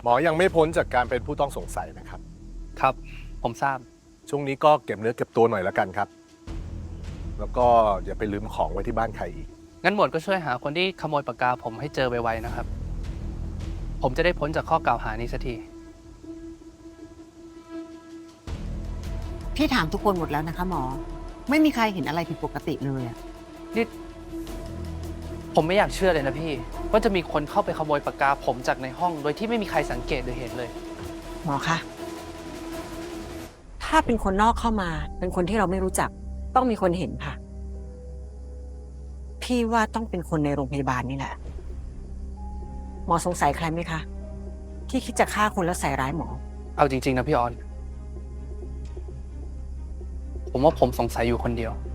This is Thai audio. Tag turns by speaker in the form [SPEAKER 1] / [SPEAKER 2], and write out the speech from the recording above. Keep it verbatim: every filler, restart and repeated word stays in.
[SPEAKER 1] หมอยังไม่พ้นจากการเป็นผู้ต้องสงสัยนะครับ
[SPEAKER 2] ครับ ผมทราบ
[SPEAKER 1] ช่วงนี้ก็เก็บเนื้อเก็บตัวหน่อยแล้วกันครับ แล้วก็อย่าไปลืมของไว้ที่บ้านใครอีก
[SPEAKER 2] งั้นหมวดก็ช่วยหาคนที่ขโมยปากกาผมให้เจอไวๆนะครับ ผมจะได้พ้นจากข้อกล่าวหานี้สักที
[SPEAKER 3] พี่ถามทุกคนหมดแล้วนะคะหมอ ไม่มีใครเห็นอะไรผิดปกติเลยอะ
[SPEAKER 2] นี่ผมไม่อยากเชื่อเลยนะพี่ ว่าจะมีคนเข้าไปขโมยปากกาผมจากในห้อง โดยที่ไม่มีใครสังเกตหรือเห็นเลย
[SPEAKER 3] หมอคะถ้าเป็นคนนอกเข้ามา เป็นคนที่เราไม่รู้จัก ต้องมีคนเห็นค่ะ พี่ว่าต้องเป็นคนในโรงพยาบาลนี่แหละ หมอสงสัยใครไหมคะ ที่คิดจะฆ่าคนแล้วใส่ร้ายหมอ
[SPEAKER 2] เอาจริงๆนะพี่ออน ผมว่าผมสงสัยอยู่คนเดียว